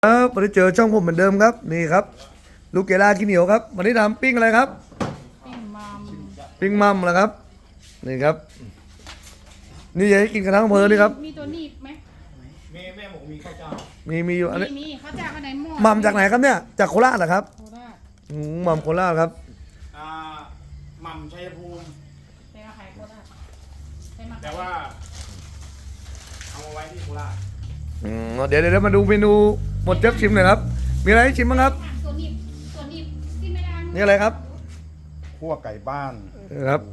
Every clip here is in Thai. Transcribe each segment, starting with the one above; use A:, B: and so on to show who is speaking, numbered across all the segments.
A: ครับวันนี้เจอช่องผมเหมือนเดิมครับนี่ครับลูกเกล่าขี้เหนียวครับวันนี้ทำปิ้งอะไรครับ
B: ปิ้งมัม
A: ปิ้งมัมเหรอครับนี่ครับนี่อยากให้กินกันทั้งอำเภอนี่ครับ
B: มีตัวหนีบไหม
C: แม่ผมมีข้าวเจ้า
A: มีอยู่อันนี้
B: มีเขาจะเอาไหนหม้อ
A: มัมจากไหนครับเนี่ยจากโคราชเหรอครับ
B: โคราช
A: มัมโคราชครับ
C: อ่าหม่ำชัยภูมิ
B: เป็นอาหารโคราชใช่ไหม
C: แต่ว่าเอามาไว้ที่โคราช
A: เดี๋ยวมาดูเมนูหมดเจ็บชิมหน่อยครับมีอะไรให้ชิมบ้างครับ
B: ตัวหนีบที่ไม่ได้
A: นี่อะไรครับ
C: คั่วไก่บ้าน
A: ครับ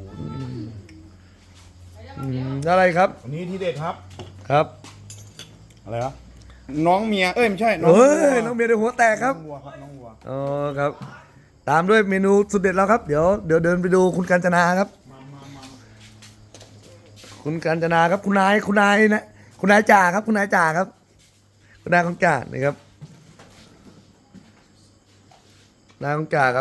A: อะไรครับ
C: วันนี้ที่เด็ดครับ
A: ครับ
C: อะไรครับน้องเมียไม่ใช่
A: เฮ้ยน้องเบียร์เดี๋ยวหัวแตกครับ
C: น้องวัวครับน้องวัว
A: อ๋อครับตามด้วยเมนูสุดเด็ดแล้วครับเดี๋ยวเดินไปดูคุณกาญจนาครับ คุณกาญจนาครับคุณนายนะคุณนายจ่าครับคุณนายจ่าครับคุณนายของจ่านี่ครับนายของจ่าครับ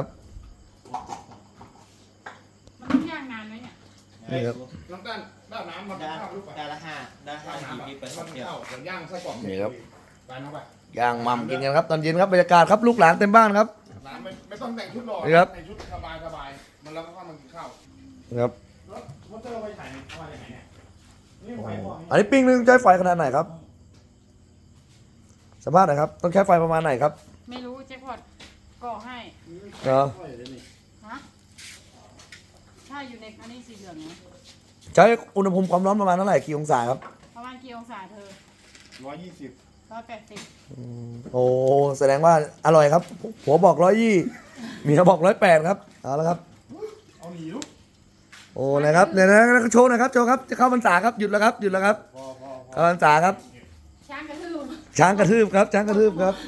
B: มันต้องย่างนานไหมเนี่ย
A: นี่ครับ
C: น้ำตาลด้านน้ำมัน
D: ได้
C: ข้าวลูกไป
D: ได้ละห้าได้ห้า
C: ด้าน
D: ที
C: น้ำ
D: ไป
C: มัน
D: เดียว
C: ข้าวเดี๋ยวย่างไส้กรอก
A: นี่ครับ
C: ไปน้องไป
A: ย่างมัมกินกันครับตอนเย็นครับบรรยากาศครับลูกหลานเต็มบ้านครับ
C: ร้านไม่ต้องแต่งชุดหล่อ
A: นี่ครับ
C: แต่งชุดสบายมันแล้วก็มันกินข้าว
A: นี่ครับ
C: แล้วมันจะเอาไปถ่ายเอามาจากไหนเนี่ยนี่ไฟพอ
A: อันนี้ปิ้งนึงใช้ไฟขนาดไหนครับสภาพไหนครับต้องใช้ไฟประมาณไหนครับ
B: ไม่รู้แจ็คพอตก่อให้
A: เนาะ
B: ฮะถ้าอยู่ในอันนี้สีเหลืองนะ
A: ใช้อุณหภูมิความร้อนประมาณเท่าไหร่กี่องศาครับ
B: ประมาณกี่องศาเธอ
C: 120
B: 180
A: โอ้แสดงว่าอร่อยครับผัวบอก120เมียบอก108ครับเอาละครับ
C: เอาหนีลูก
A: โอ้นะครับเนี่ยนะโชว์หนะครับโชว์ครับจะเข้าพรรษาครับหยุดแล้วครับหยุดแล้วครับ
C: พอ
A: เข้าพรรษาครับ
B: ช้างกระทืบ
A: ช้างกระทืบครับช้างกระทืบครับ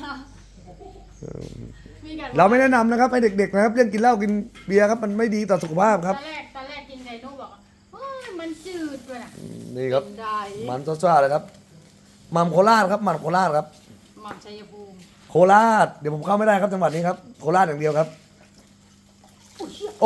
B: มีกัน
A: เราไม่แนะนำนะครับให้เด็กๆนะครับเรื่องกินเหล้ากินเบียร์ครับมันไม่ดีต่อสุขภาพครับ
B: ตอนแรกกินไก่นุ่มบอกว่าเฮ้ยมันจืดด้วยนะ
A: นี่ครับ
B: กินได้
A: มันซ่าๆเลยครับมัมโคราชครับมันโคราชครับ
B: หม่อมชัยภูมิ
A: โคราชเดี๋ยวผมเข้าไม่ได้ครับจังหวัดนี้ครับโคราชอย่างเดียวครับโอ้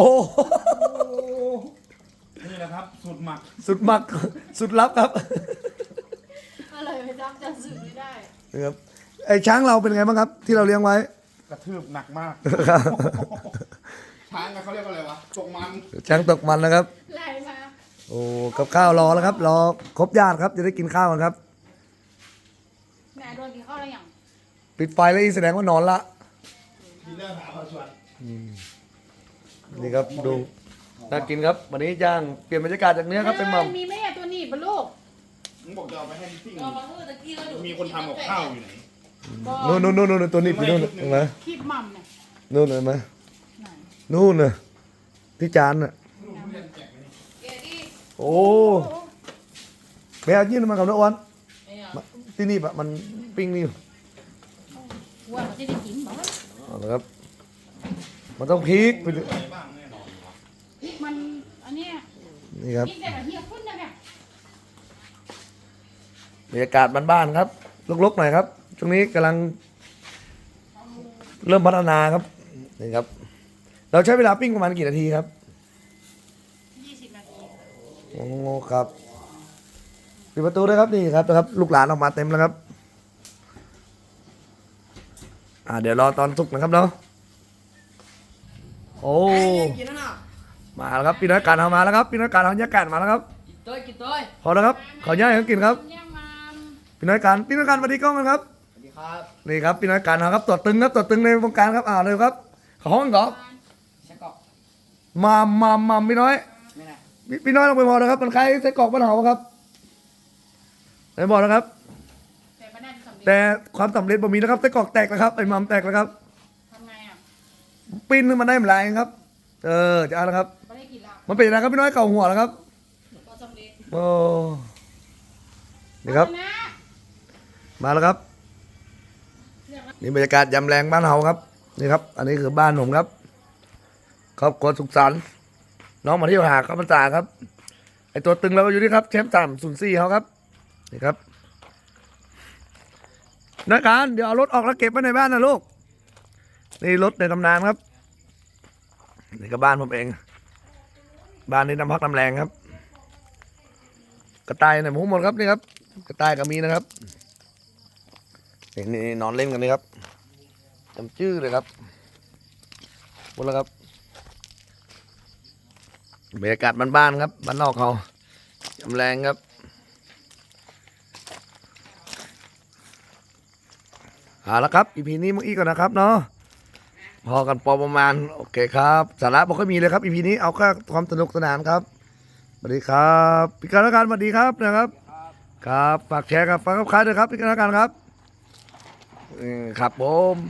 C: นี่แหละครับสูตรหมัก
A: สุดมักสุดลับครับ
B: ก็เลยไปจำจะสื่อไม่ได้
A: นี่ครับไอ้ช้างเราเป็นไงบ้างครับ ที่เราเลี้ยงไว้
C: กระทืบหนักมาก ช้างเขาเรียกว่าอะไรวะตกมัน
A: ช้างตกมันนะครับ
B: ไล่มา
A: โอ้กับข้าวรอแล้วครับรอครบญาติครับจะได้กินข้าวกันครับ
B: แม่โดนกินข้าวอะไรอย่าง
A: ปิดไฟแล้วอีแสดงว่านอนละ
C: ดีเลิศหาพอชวน
A: นี่ครับดูน่ากินครับวันนี้ย่างเปลี่ยนบรรยากาศจากเนื้อครับเป็นหม่
B: มีแม่ตัวนี้ปะลูก
C: มึงบอกจะเอาไปให้พี่ติ้ง
D: เรามาพูดตะกี้เราดู
C: มีคนทำกับข้าวอยู่ไหน
A: ำนู่นตัวนี้พี่นู่นเห็นไหม
B: คลิปมัมเนี่ย
A: นู่นเห็นไหม
B: ไหน
A: นู่นน่ะที่จานน่ะ
D: เกดี้
A: โอ้แมวยื่นมากับน้องอ้วน
D: ไอ้อะ
A: มาที่นี่ปะมันปิ้งนี่
B: ว่ามันจะได้กินบ่
A: เอาละครับมันต้องพริกไปดู
C: อะไรบ้างแน่นอน
B: พริกมันอันเนี้ย
A: นี่ครับ
B: พริกแต่ละเฮียพุ่นนะเนี่ย
A: บรรยากาศบ้านๆครับลกๆหน่อยครับช่วงนี้กำลังเริ่มพัฒนาครับนี่ครับ เราใช้เวลาปิ้งประมาณกี่นาทีครับ
B: 20 นาที
A: โอ้ครับปิดประตูด้วยครับนี่ครับนะครับ ลูกหลานออกมาเต็มแล้วครับเดี๋ยวรอตอนสุกนะครับเนาะโอ้
D: กินแล้วนะ
A: มาแล้วครับพี่น้อยการเอามาแล้วครับพี่น้อยการเอาบรรยากาศมาแล้วครับ
D: กินตัว
A: พอแล้วครับขอย่าให้เขากินครับ
B: ย่างมัม
A: พี่น้อยการสวัสดีกล้องกันครับ
D: สวัสดีครับ
A: นี่ครับพี่น้อยการเอาครับตัวตึงครับตัวตึงในวงการครับเลยครับขอห้องก่อน
D: ใช่กอก
A: มาพี่น้อย
D: ไม่นะ
A: พี่น้อยลงไปพอนะครับมันคล้ายไส้กรอกบ้านเฮาครับไหนบอกนะครับ
B: แต่ไม่ได้สำเร็จ
A: แต่ความสำเร็จบ่มีนะครับไส้กรอกแตกแล้วครับไอ้มัมแตกแล้วครับ
B: ทำไงอ่ะ
A: ปิ้นขึ้นมาได้ไม่ไรครับจะเอาละครับ
B: ไม่ได้กินแล้ว
A: มันเป็นอะไรครับพี่น้อยเก่าหัวแล้วครับ
B: ก็สำเร็จ
A: โอ้นี่ครับ
B: นะ
A: มาแล้วครับนี่บรรยากาศยำแรงบ้านเฮาครับนี่ครับ อันนี้คือบ้านผมครับครอบครัวสุขสันต์น้องมาเที่ยวหาครับพรรษาครับไอตัวตึงเราก็อยู่นี่ครับแชมป์304เขาครับนี่ครับนักการเดี๋ยวเอารถออกแล้วเก็บไว้ในบ้านนะลูกนี่รถในตำนานครับนี่ก็บ้านผมเองบ้านนี้น้ำพักน้ำแรงครับกระต่ายในหมูหมดครับนี่ครับกระต่ายก็มีนะครับนี่นอนเล่นกันเลยครับจำชื่อเลยครับหมดแล้วครับบรรยากาศบ้านๆครับบ้านนอกเขายำแรงครับเอาละครับ EP นี้มึงอีกก่อนนะครับเนาะพอกันพอประมาณโอเคครับสาระไม่ค่อยมีเลยครับ EP นี้เอาแค่ความสนุกสนานครับสวัสดีครับพี่การละกันสวัสดีครับนะครับครับฝากแชร์กับฝากกับใครด้วยครับพี่การละกันครับครับผม